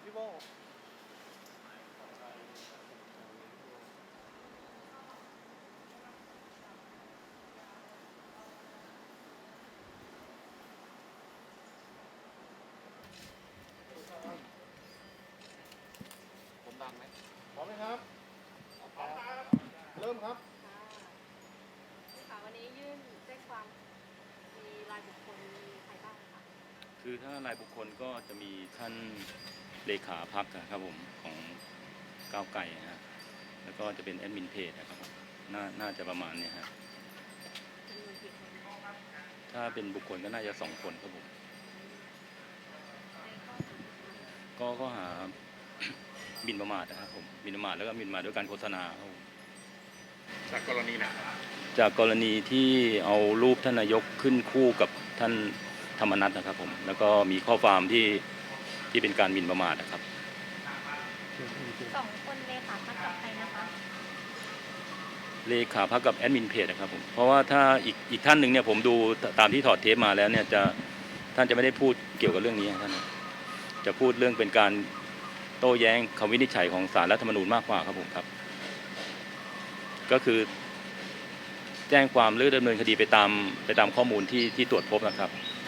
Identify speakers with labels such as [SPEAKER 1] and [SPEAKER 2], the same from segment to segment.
[SPEAKER 1] พี่โบผมดังไหมพร้อมไหมครับเริ่มครับ
[SPEAKER 2] ค่ะวันนี้ยื่นแจ้งความมีรายบุคคลมีใครบ้างคะ
[SPEAKER 3] คือถ้ารายบุคคลก็จะมีท่านเลขาพรรคครับผมของก้าวไกลฮะแล้วก็จะเป็นแอดมินเพจนะครับผมน่าจะประมาณนี้ฮะ
[SPEAKER 2] จำนวนกี่คนในข้อหา
[SPEAKER 3] ถ้าเป็นบุคคลก็น่าจะ2 คนครับผมก็ข้อหา หมิ่นประมาทนะครับผมหมิ่นประมาทแล้วก็หมิ่นประมาทด้วยการโฆษณาครับผม
[SPEAKER 1] จากกรณีไหน
[SPEAKER 3] จากกรณีที่เอารูปท่านนายกขึ้นคู่กับท่านธรรมนัสนะครับผมแล้วก็มีข้อความที่เป็นการหมิ่นประมาทนะครับ
[SPEAKER 2] 2 คนเลขาพรรคกับใครนะคะ
[SPEAKER 3] เลขาพรรคกับแอดมินเพจนะครับผมเพราะว่าถ้าอีกท่านหนึ่งเนี่ยผมดูตามที่ถอดเทปมาแล้วเนี่ยท่านจะไม่ได้พูดเกี่ยวกับเรื่องนี้ท่านจะพูดเรื่องเป็นการโต้แย้งคำวินิจฉัยของศาลรัฐธรรมนูญมากกว่าครับผมครับก็คือแจ้งความหรือดำเนินคดีไปตามข้อมูลที่ตรวจพบนะครับ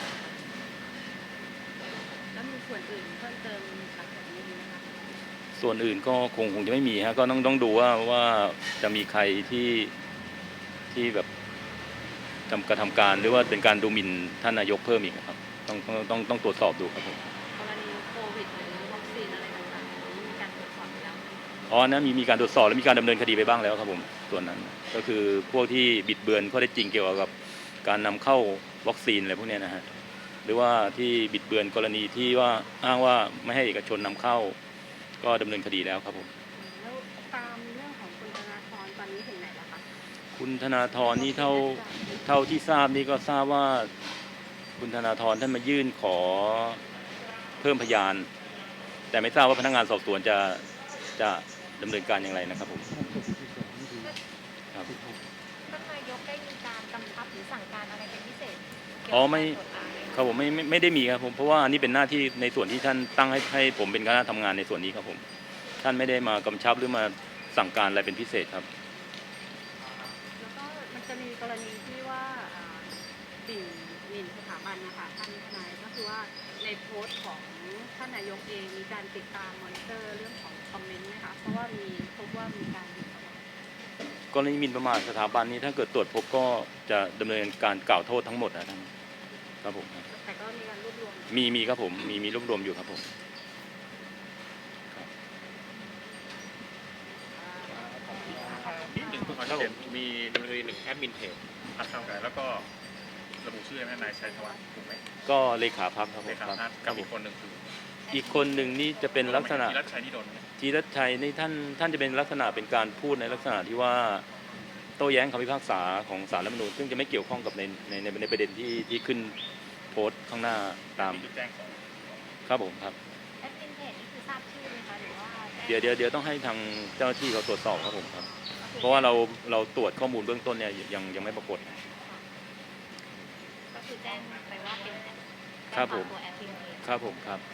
[SPEAKER 2] แล้วมีส่วนอื่นเพิ่มเติมหลังจากนี้ไหมคะ
[SPEAKER 3] ส่วนอื่นก็คงจะไม่มีฮะก็ต้องดูว่าจะมีใครที่แบบกระทำการหรือว่าเป็นการดูหมิ่นท่านนายกเพิ่มอีกครับต้องตรวจสอบดูครับผม
[SPEAKER 2] กรณีโควิดหรือวัคซีนอะไรต่างๆนี้มีการตรวจสอบแล้วไหม
[SPEAKER 3] อ๋อนะมีการตรวจสอบและมีการดำเนินคดีไปบ้างแล้วครับผมส่วนนั้นก็คือพวกที่บิดเบือนข้อเท็จจริงเกี่ยวกับการนำเข้าวัคซีนอะไรพวกนี้นะฮะหรือว่าที่บิดเบือนกรณีที่ว่าอ้างว่าไม่ให้เอกชนนำเข้าก็ดำเนินคดีแล้วครับผม
[SPEAKER 2] แล้วตามเรื่องของคุณธนาธรตอนนี้ถึงไหนแล้วคะ
[SPEAKER 3] คุณธนาธรนี่เท่าที่ทราบนี่ก็ทราบว่าคุณธนาธรท่านมายื่นขอเพิ่มพยานแต่ไม่ทราบว่าพนักงานสอบสวนจะดำเนินการอย่างไรนะครับผมครับ
[SPEAKER 2] ท่านนายกได้มีการกำชับหรือสั่งการอะไรเป็นพิเศษเกี่ยว
[SPEAKER 3] อ๋อ
[SPEAKER 2] กับ
[SPEAKER 3] ไม่
[SPEAKER 2] การตรวจสอบไหม
[SPEAKER 3] ครับผมไม่ได้มีครับผมเพราะว่าอันนี้เป็นหน้าที่ในส่วนที่ท่านตั้งให้ผมเป็นคณะทำงานในส่วนนี้ครับผมท่านไม่ได้มากำชับหรือมาสั่งการอะไรเป็นพิเศษครับ
[SPEAKER 2] แล้วก็มันจะมีกรณีที่ว่าหมิ่นสถาบันนะคะท่านทนายก็คือว่าในโพสต์ของท่านนายกเองมีการติดตามมอนิเตอร์เรื่องของคอมเมนต์ไหมคะเพราะว่าพบว่ามีการหมิ่นประมาท
[SPEAKER 3] กรณีหมิ่นประมาทสถาบันนี้ถ้าเกิดตรวจพบก็จะดำเนินการกล่าวโทษทั้งหมดนะท่านครับผม
[SPEAKER 2] แต่ก็มีการรวบรวม
[SPEAKER 3] มีครับผมมีรวบรวมอยู่ครับผม
[SPEAKER 1] นิดหนึ่งเพื่อความชัดเจนมีดำเนินคดี1แอดมินเพจพรรคก้าวไกลแล้วก็ระบุชื่อให้นายชัยธวัฒน์ถูกไหม
[SPEAKER 3] ก็เลขาพรรคครับผ
[SPEAKER 1] เล
[SPEAKER 3] ม
[SPEAKER 1] ขา
[SPEAKER 3] ครับ
[SPEAKER 1] พรรคกับอีกคนหนึ่งคือ
[SPEAKER 3] อีกคนหนึ่งนี่จะเป็นลักษณะ
[SPEAKER 1] ธีรัชชัยนี่โดนไหม
[SPEAKER 3] จีรัชชัยนี่ท่านจะเป็นลักษณะเป็นการพูดในลักษณะที่ว่าโต้แย้งคำพิพากษาของศาลรัฐธรรมนูญซึ่งจะไม่เกี่ยวข้องกับในประเด็นที่ขึ้นโพสต์ข้างหน้าตาม
[SPEAKER 1] แจ้งของ
[SPEAKER 3] ครับผมครับ
[SPEAKER 2] แอดมินเพจนี่คือทราบชื่อไหมคะหรือว่า
[SPEAKER 3] เดี๋ยวต้องให้ทางเจ้าหน้าที่เขาตรวจสอบครับผมครับเพราะว่าเราตรวจข้อมูลเบื้องต้นเนี่ยยังไม่ปรากฏ
[SPEAKER 2] ก็คือแจ้งไปว่าเป็น
[SPEAKER 3] ครับผม
[SPEAKER 2] ตัวแอดมินเพจ
[SPEAKER 3] ครับผมครับ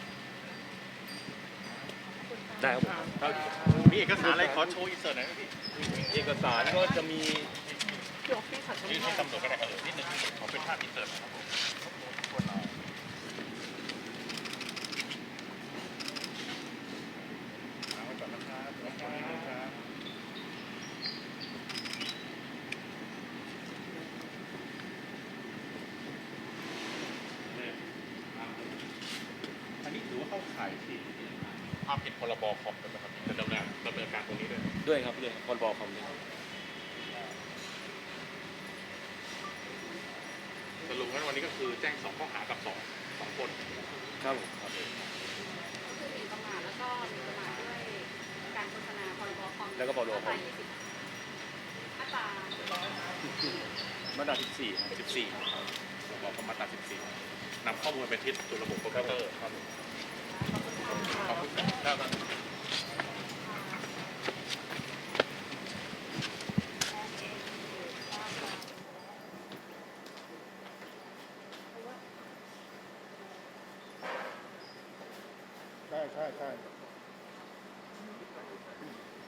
[SPEAKER 3] ได้ครับผม
[SPEAKER 1] มีเอกสารอะไรขอโชว์อินเสิร์ตหน่อยไหมพี่
[SPEAKER 3] เอกสารก็จะมี
[SPEAKER 1] ยื่นให้ตำรวจก็ได้ครับนิดนึงขอเป็นภาพอินเสิร์ตนะครับผมเอาไว้ก่อนนะครับรบกวนนิดนึงครับอันนี้ถือว่าเข้าข่ายที่ความผิดพรบคอมด้วยไหมครับจะดำเนินการตรงนี้ด้วย
[SPEAKER 3] ครับด้วยพรบคอมด้วย
[SPEAKER 1] สรุปงั้นวันนี้ก็คือแจ้ง2ข้อหากับ2คน
[SPEAKER 3] ครับผมครับ
[SPEAKER 2] คือหมิ่นประมาทแล้วก็หมิ่นประมาทด้วยการโฆษณาพรบคอม
[SPEAKER 3] แล้วก็พรบคอม
[SPEAKER 2] มาตรา
[SPEAKER 3] มาตรา14
[SPEAKER 1] บอกมาตรา14นำข้อมูลไปทิศสู่ระบบคอมพิวเตอร์ครับขอบคุณครับได้
[SPEAKER 4] ใช่ใช่ใช่